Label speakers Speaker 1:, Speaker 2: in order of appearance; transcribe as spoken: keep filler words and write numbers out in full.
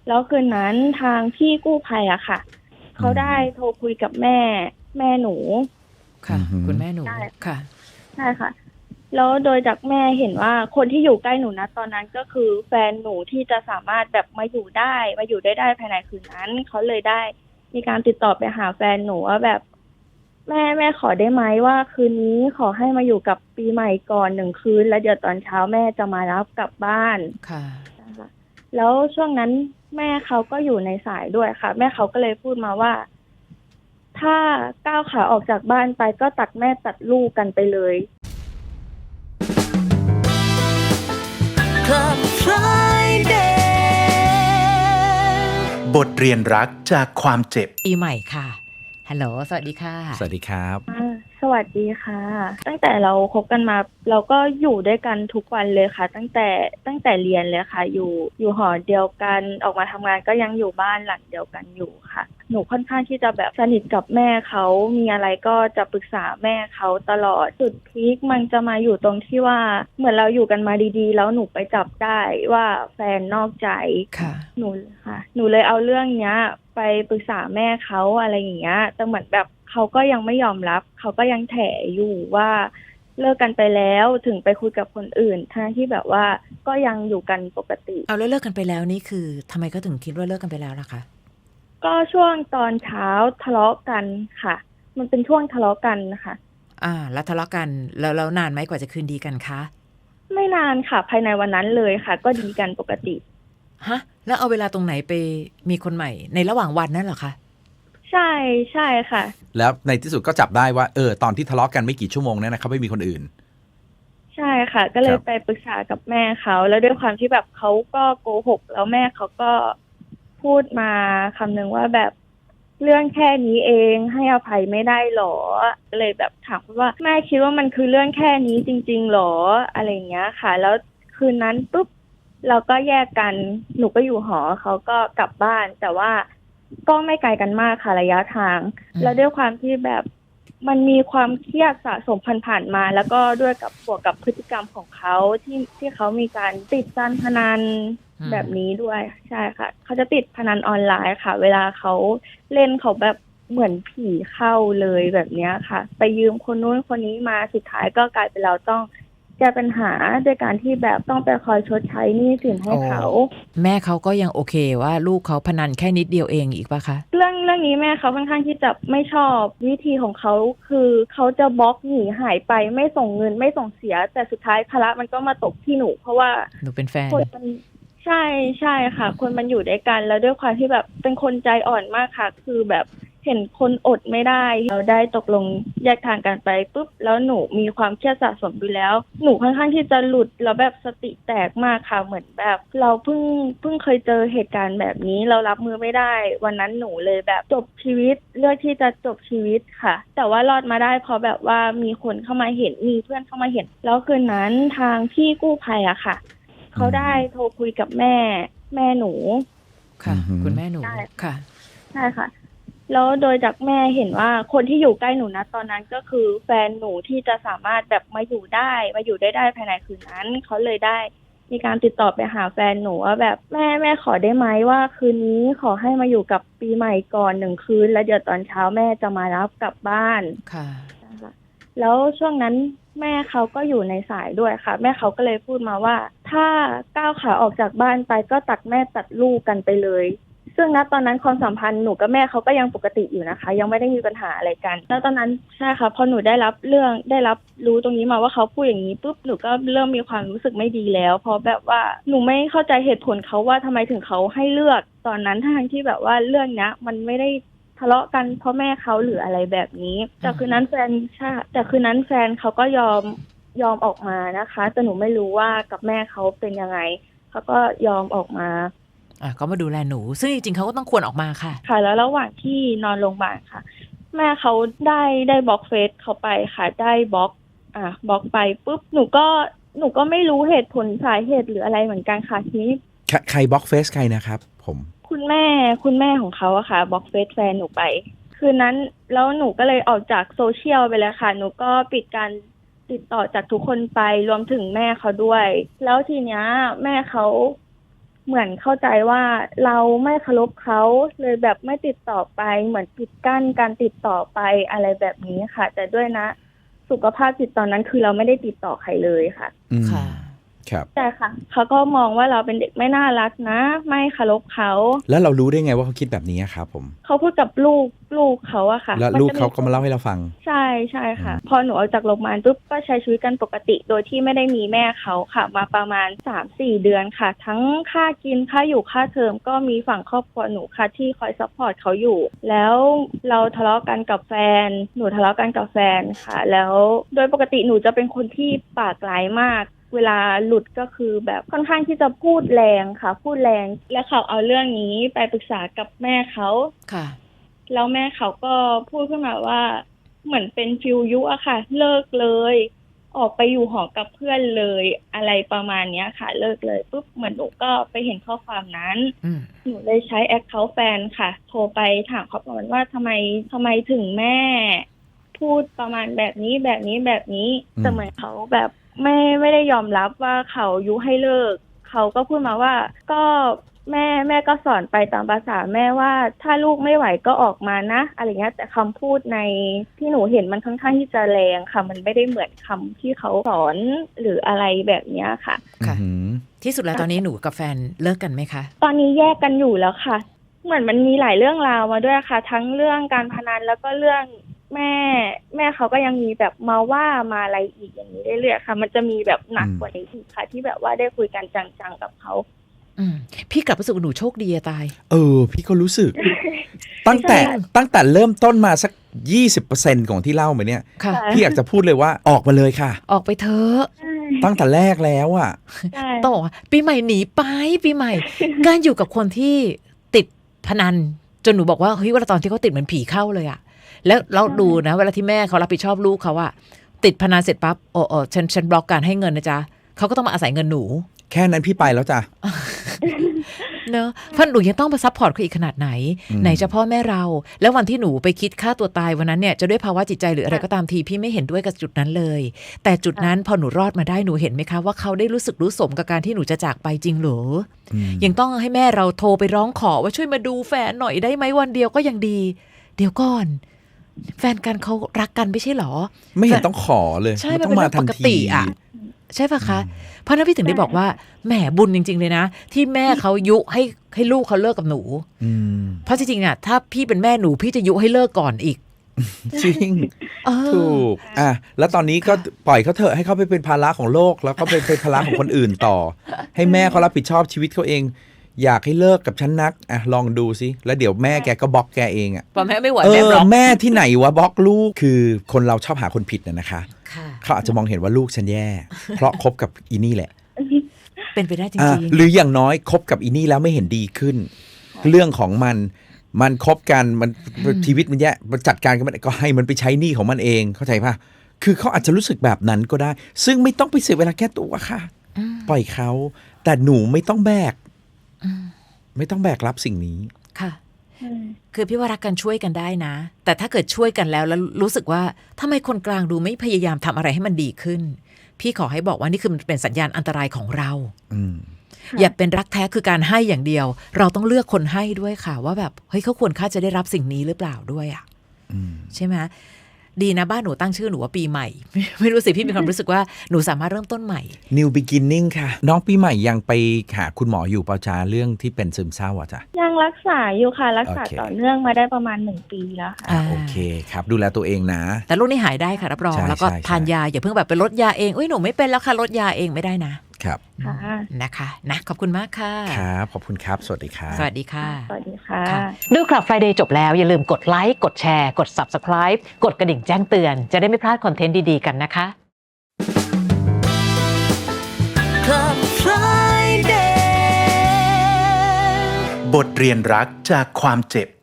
Speaker 1: แล้วคืนนั้นทางพี่กู้ภัยอะค่ะเขาได้โทรคุยกับแม่แม่หนู
Speaker 2: ค่ะคุณแม่หนู
Speaker 1: ใช่
Speaker 2: ค่ะ
Speaker 1: ใช่ค่ะแล้วโดยจากแม่เห็นว่าคนที่อยู่ใกล้หนูนะตอนนั้นก็คือแฟนหนูที่จะสามารถแบบมาอยู่ได้มาอยู่ได้ได้ภายในคืนนั้นเขาเลยได้มีการติดต่อไปหาแฟนหนูว่าแบบแม่แม่ขอได้ไหมว่าคืนนี้ขอให้มาอยู่กับปีใหม่ก่อนหนึ่งคืนแล้วเดี๋ยวตอนเช้าแม่จะมารับกลับบ้าน
Speaker 2: ค่ะ
Speaker 1: นะคะแล้วช่วงนั้นแม่เขาก็อยู่ในสายด้วยค่ะแม่เขาก็เลยพูดมาว่าถ้าก้าวขาออกจากบ้านไปก็ตัดแม่ตัดลูกกันไปเลย
Speaker 3: Club Friday
Speaker 4: บทเรียนรักจากความเจ็บ
Speaker 2: ปีใหม่ค่ะฮัลโหลสวัสดีค่ะ
Speaker 5: สวัสดีครับ
Speaker 1: อ่าสวัสดีค่ะตั้งแต่เราคบกันมาเราก็อยู่ด้วยกันทุกวันเลยค่ะตั้งแต่ตั้งแต่เรียนเลยค่ะอยู่อยู่หอเดียวกันออกมาทำงานก็ยังอยู่บ้านหลังเดียวกันอยู่ค่ะหนูค่อนข้างที่จะแบบสนิทกับแม่เขามีอะไรก็จะปรึกษาแม่เขาตลอดจุดพีคมันจะมาอยู่ตรงที่ว่าเหมือนเราอยู่กันมาดีๆแล้วหนูไปจับได้ว่าแฟนนอกใจ
Speaker 2: ค่ะ
Speaker 1: หนูค่ะหนูเลยเอาเรื่องเนี้ยไปปรึกษาแม่เขาอะไรอย่างเงี้ยแต่เหมือนแบบเขาก็ยังไม่ยอมรับเขาก็ยังแถอยู่ว่าเลิกกันไปแล้วถึงไปคุยกับคนอื่นทั้งที่แบบว่าก็ยังอยู่กันปกติ
Speaker 2: เอาแล้วเลิกกันไปแล้วนี่คือทำไมก็ถึงคิดว่าเลิกกันไปแล้วล่ะคะ
Speaker 1: ก็ช่วงตอนเช้าทะเลาะกันค่ะมันเป็นช่วงทะเลาะกันนะคะ
Speaker 2: อ่าแล้วทะเลาะกันแล้วแล้วนานไหมกว่าจะคืนดีกันคะ
Speaker 1: ไม่นานค่ะภายในวันนั้นเลยค่ะก็ดีกันปกติ
Speaker 2: ฮะแล้วเอาเวลาตรงไหนไปมีคนใหม่ในระหว่างวันนั่นเหรอคะ
Speaker 1: ใช่ใช่ค่ะ
Speaker 5: แล้วในที่สุดก็จับได้ว่าเออตอนที่ทะเลาะกันไม่กี่ชั่วโมงเนี่ยนะครับไม่มีคนอื่น
Speaker 1: ใช่ค่ะก็เลยไปปรึกษากับแม่เขาแล้วด้วยความที่แบบเขาก็โกหกแล้วแม่เขาก็พูดมาคำนึงว่าแบบเรื่องแค่นี้เองให้อภัยไม่ได้หรอก็เลยแบบถามว่าแม่คิดว่ามันคือเรื่องแค่นี้จริงๆหรออะไรอย่างเงี้ยค่ะแล้วคืนนั้นปุ๊บเราก็แยกกันหนูก็อยู่หอเขาก็กลับบ้านแต่ว่าก็ไม่ไกลกันมากค่ะระยะทางแล้วด้วยความที่แบบมันมีความเครียดสะสมผ่านๆมาแล้วก็ด้วยกับบวกกับพฤติกรรมของเขาที่ที่เขามีการติดการพนันแบบนี้ด้วยใช่ค่ะเขาจะติดพนันออนไลน์ค่ะเวลาเขาเล่นเขาแบบเหมือนผีเข้าเลยแบบนี้ค่ะไปยืมคนนู้นคนนี้มาสุดท้ายก็กลายเป็นเราต้องแก้ปัญหาด้วยการที่แบบต้องไปคอยชดใช้หนี้สินให้เขา
Speaker 2: แม่เขาก็ยังโอเคว่าลูกเขาพนันแค่นิดเดียวเองอีกปะคะ
Speaker 1: เรื่องเรื่องนี้แม่เขาค่อนข้างที่จะไม่ชอบวิธีของเขาคือเขาจะบล็อกหนีหายไปไม่ส่งเงินไม่ส่งเสียแต่สุดท้ายภาระมันก็มาตกที่หนูเพราะว่า
Speaker 2: หนูเป็นแฟน
Speaker 1: คนมันใช่ใช่ค่ะคนมันอยู่ด้วยกันแล้วด้วยความที่แบบเป็นคนใจอ่อนมากค่ะคือแบบเห็นคนอดไม่ได้เราได้ตกลงแยกทางกันไปปุ๊บแล้วหนูมีความเครียดสะสมอยู่แล้วหนูค่อนข้างที่จะหลุดแล้วแบบสติแตกมากค่ะเหมือนแบบเราเพิ่งเพิ่งเคยเจอเหตุการณ์แบบนี้เรารับมือไม่ได้วันนั้นหนูเลยแบบจบชีวิตเลือกที่จะจบชีวิตค่ะแต่ว่ารอดมาได้เพราะแบบว่ามีคนเข้ามาเห็นมีเพื่อนเข้ามาเห็นแล้วคืนนั้นทางพี่กู้ภัยอะค่ะเขาได้โทรคุยกับแม่แม่หนู
Speaker 2: ค่ะคุณแม่หนูค่ะ
Speaker 1: ใช่ค่ะแล้วโดยจากแม่เห็นว่าคนที่อยู่ใกล้หนูนะตอนนั้นก็คือแฟนหนูที่จะสามารถแบบมาอยู่ได้มาอยู่ได้ได้ภายในคืนนั้นเขาเลยได้มีการติดต่อไปหาแฟนหนูว่าแบบแม่แม่ขอได้ไหมว่าคืนนี้ขอให้มาอยู่กับปีใหม่ก่อนหนึ่งคืนแล้วเดี๋ยวตอนเช้าแม่จะมารับกลับบ้าน
Speaker 2: ค่ะ
Speaker 1: แล้วช่วงนั้นแม่เขาก็อยู่ในสายด้วยค่ะแม่เขาก็เลยพูดมาว่าถ้าก้าวขาออกจากบ้านไปก็ตัดแม่ตัดลูกกันไปเลยซึ่งณตอนนั้นความสัมพันธ์หนูกับแม่เขาก็ยังปกติอยู่นะคะยังไม่ได้มีปัญหาอะไรกันแล้วตอนนั้นใช่ค่ะพอหนูได้รับเรื่องได้รับรู้ตรงนี้มาว่าเขาพูดอย่างนี้ปุ๊บหนูก็เริ่มมีความรู้สึกไม่ดีแล้วเพราะแบบว่าหนูไม่เข้าใจเหตุผลเขาว่าทำไมถึงเขาให้เลือกตอนนั้นทั้งที่แบบว่าเรื่องนี้มันไม่ได้ทะเลาะกันเพราะแม่เขาหรืออะไรแบบนี้แต่คืนนั้นแฟนใช่แต่คืนนั้นแฟนเขาก็ยอมยอมออกมานะคะแต่หนูไม่รู้ว่ากับแม่เขาเป็นยังไงเขาก็ยอมออกมา
Speaker 2: อ่ะก็มาดูแลหนูซึ่งจริงๆเขาก็ต้องควรออกมาค่ะ
Speaker 1: ค่ะแล้วระหว่างที่นอนโรงพยาบาลค่ะแม่เขาได้ได้บล็อกเฟซเขาไปค่ะได้บล็อกอ่ะบล็อกไปปุ๊บหนูก็หนูก็ไม่รู้เหตุผลสาเหตุหรืออะไรเหมือนกันค่ะทีนี้
Speaker 5: ใครบล็อกเฟซใครนะครับผม
Speaker 1: คุณแม่คุณแม่ของเขาอะค่ะบล็อกเฟซแฟนหนูไปคืนนั้นแล้วหนูก็เลยออกจากโซเชียลไปเลยค่ะหนูก็ปิดการติดต่อจากทุกคนไปรวมถึงแม่เขาด้วยแล้วทีเนี้ยแม่เขาเหมือนเข้าใจว่าเราไม่เคารพเขาเลยแบบไม่ติดต่อไปเหมือนปิดกั้นการติดต่อไปอะไรแบบนี้ค่ะ แต่ด้วยนะสุขภาพจิตตอนนั้นคือเราไม่ได้ติดต่อใครเลยค่ะ
Speaker 5: อืม
Speaker 2: ค่ะ
Speaker 5: ครับ
Speaker 1: ใช่ค่ะเขาก็มองว่าเราเป็นเด็กไม่น่ารักนะไม่เคารพเขา
Speaker 5: แล้วเรารู้ได้ไงว่าเขาคิดแบบนี้อะครับผม
Speaker 1: เขาพูดกับลูกลูกเขาอะค่ะ
Speaker 5: แล้ว
Speaker 1: น
Speaker 5: ลูก
Speaker 1: จะ
Speaker 5: เขาก็มาเล่าให้เราฟัง
Speaker 1: ใช่ใช่ค่ะ พอหนูออกจากโรงพยาบาลปุ๊บก็ใช้ชีวิตกันปกติ โดยที่ไม่ได้มีแม่เขาค่ะ มาประมาณ สามสี่ เดือนค่ะ ทั้งค่ากินค่าอยู่ค่าเทอมก็มีฝั่งครอบครัวหนูค่ะที่คอยซัพพอร์ตเขาอยู่ แล้วเราทะเลาะกันกับแฟน หนูทะเลาะกันกับแฟนค่ะ แล้วโดยปกติหนูจะเป็นคนที่ปากร้ายมาก เวลาหลุดก็คือแบบค่อนข้างที่จะพูดแรงค่ะ พูดแรงและเขาเอาเรื่องนี้ไปปรึกษากับแม่เขา
Speaker 2: ค่ะ
Speaker 1: แล้วแม่เขาก็พูดขึ้นมาว่าเหมือนเป็นฟิวยุอะค่ะ เลิกเลย ออกไปอยู่หอกับเพื่อนเลยอะไรประมาณเนี้ยค่ะ เลิกเลยปุ๊บเหมือนหนูก็ไปเห็นข้อความนั้น
Speaker 2: อืม
Speaker 1: หนูเลยใช้แอคเคาท์แฟนค่ะ โทรไปถามเขาประมาณว่าทำไมทำไมถึงแม่ พูดประมาณแบบนี้แบบนี้แบบนี้
Speaker 5: อืม
Speaker 1: แต่เหมือนเขาแบบไม่ไม่ได้ยอมรับว่าเขายุให้เลิก เขาก็พูดมาว่าก็แม่แม่ก็สอนไปตามภาษาแม่ว่าถ้าลูกไม่ไหวก็ออกมานะอะไรเงี้ยแต่คำพูดในที่หนูเห็นมันค่อนข้างที่จะแรงค่ะ มันไม่ได้เหมือนคำที่เขาสอนหรืออะไรแบบเนี้ยค่ะ
Speaker 2: ค่ะ
Speaker 5: อืม
Speaker 2: ที่สุดแล้วตอนนี้หนูกับแฟนเลิกกันไหมคะ
Speaker 1: ตอนนี้แยกกันอยู่แล้วค่ะ เหมือนมันมีหลายเรื่องราวมาด้วยค่ะ ทั้งเรื่องการพนันแล้วก็เรื่องแม่ แม่เขาก็ยังมีแบบมาว่ามาอะไรอีกอย่างนี้เรื่อยๆค่ะ มันจะมีแบบหนักกว่านี้อีกค่ะ ที่แบบว่าได้คุยกันจังๆกับเขา
Speaker 2: อืมพี่กลับรู้สึกว่าหนูโชคดีอะตาย
Speaker 5: เออ พี่ก็รู้สึก ตั้งแต่ตั้งแต่เริ่มต้นมาสัก ยี่สิบเปอร์เซ็นต์ ของที่เล่ามาเนี่ย
Speaker 2: ค่ะ
Speaker 1: ค่ะ
Speaker 5: พี่อยากจะพูดเลยว่าออกมาเลยค่ะ
Speaker 2: ออกไปเถอะ
Speaker 1: ใช่
Speaker 5: ตั้งแต่แรกแล้วอ่ะ
Speaker 1: ใช่
Speaker 2: ต้องบอกว่าปีใหม่หนีไปปีใหม่ การอยู่กับคนที่ติดพนัน จนหนูบอกว่าเฮ้ยเวลาตอนที่เขาติดเหมือนผีเข้าเลยอะแล้วเราดูนะ เวลาที่แม่เขารับผิดชอบลูกเขาอะติดพนันเสร็จปั๊บโอ้โอ้ฉันฉันบล็อกการให้เงินนะจ๊ะเขาก็ต้องมาอาศัยเงินหนู
Speaker 5: แค่นั้นพี่ไปแล้วจ้ะ
Speaker 2: เนอะเพราะหนูยังต้องไปซัพพอร์ตเขาอีกขนาดไหน
Speaker 5: อืม
Speaker 2: ไหนจะพ่อแม่เรา แล้ววันที่หนูไปคิดฆ่าตัวตายวันนั้นเนี่ยจะด้วยภาวะจิตใจหรืออะไรก็ตามทีพี่ไม่เห็นด้วยกับจุดนั้นเลย แต่จุดนั้นพอหนูรอดมาได้หนูเห็นไหมคะว่าเขาได้รู้สึกรู้สมกับการที่หนูจะจากไปจริงเหรอ
Speaker 5: อืม
Speaker 2: ยังต้องให้แม่เราโทรไปร้องขอว่าช่วยมาดูแฟนหน่อยได้ไหมวันเดียวก็ยังดี เดี๋ยวก่อน แฟนกันเขารักกันไม่ใช่เหรอ
Speaker 5: ไม่เห็นต้องขอเลย
Speaker 2: ใช่
Speaker 5: มัน
Speaker 2: มัน
Speaker 5: ต้อ
Speaker 2: เป็น
Speaker 5: งมา
Speaker 2: เรื่อง
Speaker 5: ทั
Speaker 2: ป
Speaker 5: น
Speaker 2: ก
Speaker 5: ที
Speaker 2: ติอะใช่ปะคะ เพราะนั้นพี่ถึงได้บอกว่าแหมบุญจริง ๆ เลยนะ ที่แม่เขายุให้ให้ลูกเขาเลิกกับหนู
Speaker 5: อืม
Speaker 2: เพราะจริงๆอ่ะถ้าพี่เป็นแม่หนูพี่จะยุให้เลิกก่อนอีก
Speaker 5: จริง
Speaker 2: เออ
Speaker 5: ถูกอ่ะแล้วตอนนี้ก็
Speaker 2: ค่ะ
Speaker 5: ปล่อยเขาเถอะให้เขาไปเป็นภาระของโลก แล้วก็ไปเป็นภาระของคนอื่นต่อ ให้แม่เขารับผิดชอบชีวิตเขาเอง อยากให้เลิกกับฉันนักอ่ะลองดูสิแล้วเดี๋ยวแม่แกก็บล็อกแกเองอ่ะ
Speaker 2: พอแม่ไม่ไหว
Speaker 5: เอ
Speaker 2: แม่
Speaker 5: อบ
Speaker 2: ล็อก
Speaker 5: แม่ที่ไหนวะบล็อกลูกคือคนเราชอบหาคนผิดนะนะคะ
Speaker 2: ค่ะ
Speaker 5: เขาอาจจะมองเห็นว่าลูกฉันแย่ เพราะคบกับอีนี่แหละ
Speaker 2: เป็นไปได้จ
Speaker 5: อ่ะ
Speaker 2: ริง
Speaker 5: หรืออย่างน้อยคบกับอีนี่แล้วไม่เห็นดีขึ้น เรื่องของมันมันคบกันมันชีวิตมันแย่มันจัดการกันมันก็ให้มันไปใช้หนี้ของมันเองเข้าใจป่ะคือเขาอาจจะรู้สึกแบบนั้นก็ได้ ซึ่งไม่ต้องไปเสียเวลาแก้ตัวค่ะ
Speaker 2: อืม
Speaker 5: ปล่อยเขาแต่หนูไม่ต้องแบก
Speaker 2: อืม
Speaker 5: ไม่ต้องแบกรับสิ่งนี้
Speaker 2: ค่ะ
Speaker 1: อืม
Speaker 2: คือพี่ว่ารักกันช่วยกันได้นะ แต่ถ้าเกิดช่วยกันแล้วแล้วรู้สึกว่าทำไมคนกลางดูไม่พยายามทำอะไรให้มันดีขึ้น พี่ขอให้บอกว่านี่คือมันเป็นสัญญาณอันตรายของเรา
Speaker 5: อืม
Speaker 1: ค่ะ
Speaker 2: อย่าเป็นรักแท้คือการให้อย่างเดียว เราต้องเลือกคนให้ด้วยค่ะ ว่าแบบเฮ้ยเขาควรค่าจะได้รับสิ่งนี้หรือเปล่าด้วยอ่ะ
Speaker 5: อืม
Speaker 2: ใช่ไหมดีนะบ้านหนูตั้งชื่อหนูว่าปีใหม่ ไม่รู้สิพี่มีความรู้สึกว่าหนูสามารถเริ่มต้นใหม่
Speaker 5: New Beginning ค่ะ น้องปีใหม่ยังไปหาคุณหมออยู่เปล่าจ้าเรื่องที่เป็นซึมเศร้าอ่ะจ้ะ
Speaker 1: ยังรักษาอยู่ค่ะ รักษา
Speaker 5: โอเค
Speaker 1: ต่อเนื่องมาได้ประมาณหนึ่งปีแล้วค่ะ
Speaker 5: อ่า
Speaker 2: อ่า
Speaker 5: โอเคครับ ดูแลตัวเองนะ
Speaker 2: แต่ลูกนี่หายได้ค่ะรับรอง
Speaker 5: ใช่
Speaker 2: แล้วก็
Speaker 5: ใช่
Speaker 2: ทานยาอย่าเพิ่งแบบไปลดยาเองเอ้ยหนูไม่เป็นแล้วค่ะลดยาเองไม่ได้นะครับ
Speaker 1: ค่ะ
Speaker 2: นะคะนะขอบคุณมากค่ะ
Speaker 5: ครับ ขอบคุณครับ สวัสดีครับ
Speaker 2: สวัสดีค่ะ
Speaker 1: สวัสดีค่ะ
Speaker 2: ดูคลับ Friday จบแล้วอย่าลืมกดไลค์กดแชร์กด Subscribe กดกระดิ่งแจ้งเตือนจะได้ไม่พลาดคอนเทนต์ดีๆกันนะคะ
Speaker 3: Club Friday
Speaker 4: บทเรียนรักจากความเจ็บ